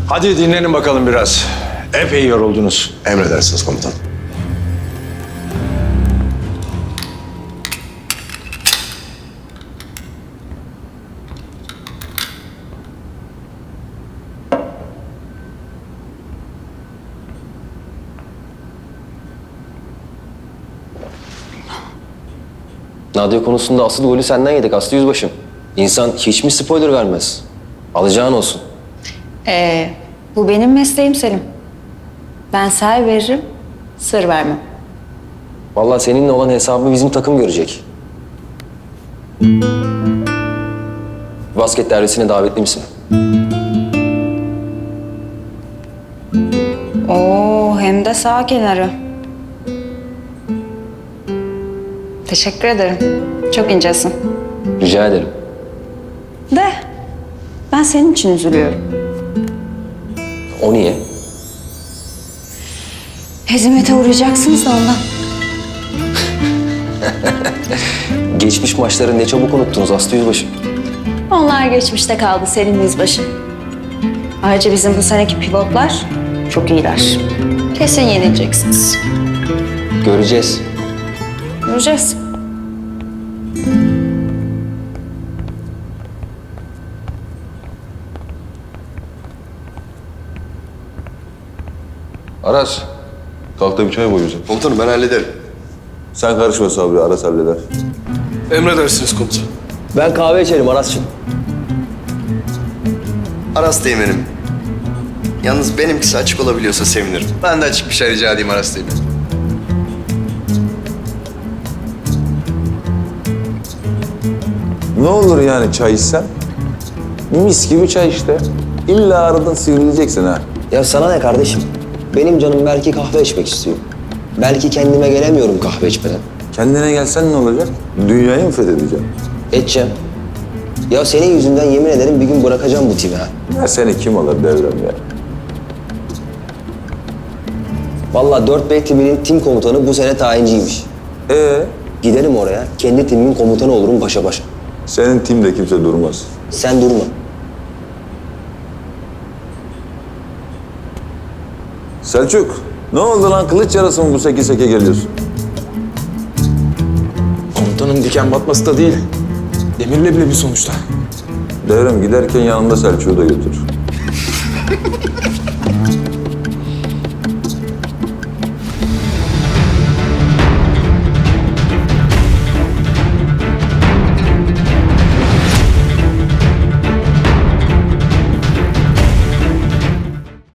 Hadi dinlenin bakalım biraz. Epey yoruldunuz. Emredersiniz komutan. Nadia konusunda asıl golü senden yedik Aslı Yüzbaşım. İnsan hiç mi spoiler vermez? Alacağın olsun. Bu benim mesleğim Selim. Ben ser veririm, sır vermem. Vallahi seninle olan hesabı bizim takım görecek. Basket derbisine davetli misin? Oo, hem de sağ kenarı. Teşekkür ederim. Çok incesin. Rica ederim. De, ben senin için üzülüyorum. O niye? Hezimete uğrayacaksınız da ondan. Geçmiş maçları ne çabuk unuttunuz Aslı Yüzbaşım. Onlar geçmişte kaldı Selim Yüzbaşı. Ayrıca bizim bu seneki pivotlar çok iyiler. Kesin yenileceksiniz. Göreceğiz. Göreceğiz. Aras, kalk da bir çay koy bize. Komutanım ben hallederim. Sen karışma Sabri, Aras halleder. Emredersiniz komutan. Ben kahve içerim Aras'cığım. Aras Teğmen'im. Yalnız benimkisi açık olabiliyorsa sevinirim. Ben de açık bir şey rica edeyim Aras Teğmen'im. Ne olur yani çay içsen? Mis gibi çay işte. İlla aradan sivrileceksin ha. Ya sana ne kardeşim? Benim canım belki kahve içmek istiyor. Belki kendime gelemiyorum kahve içmeden. Kendine gelsen ne olacak? Dünyayı mı fethedeceksin? Edeceğim. Ya senin yüzünden yemin ederim bir gün bırakacağım bu timi ha. Ya seni kim alır devrem ya? Vallahi 4B timinin tim komutanı bu sene tayinciymiş. Giderim oraya, kendi timimin komutanı olurum başa başa. Senin timde kimse durmaz. Sen durma. Selçuk, ne oldu lan? Kılıç yarası mı bu seke seke geliyorsun? Komutanım diken batması da değil. Demir leblebi sonuçta. Devrem giderken yanında Selçuk'u da götür.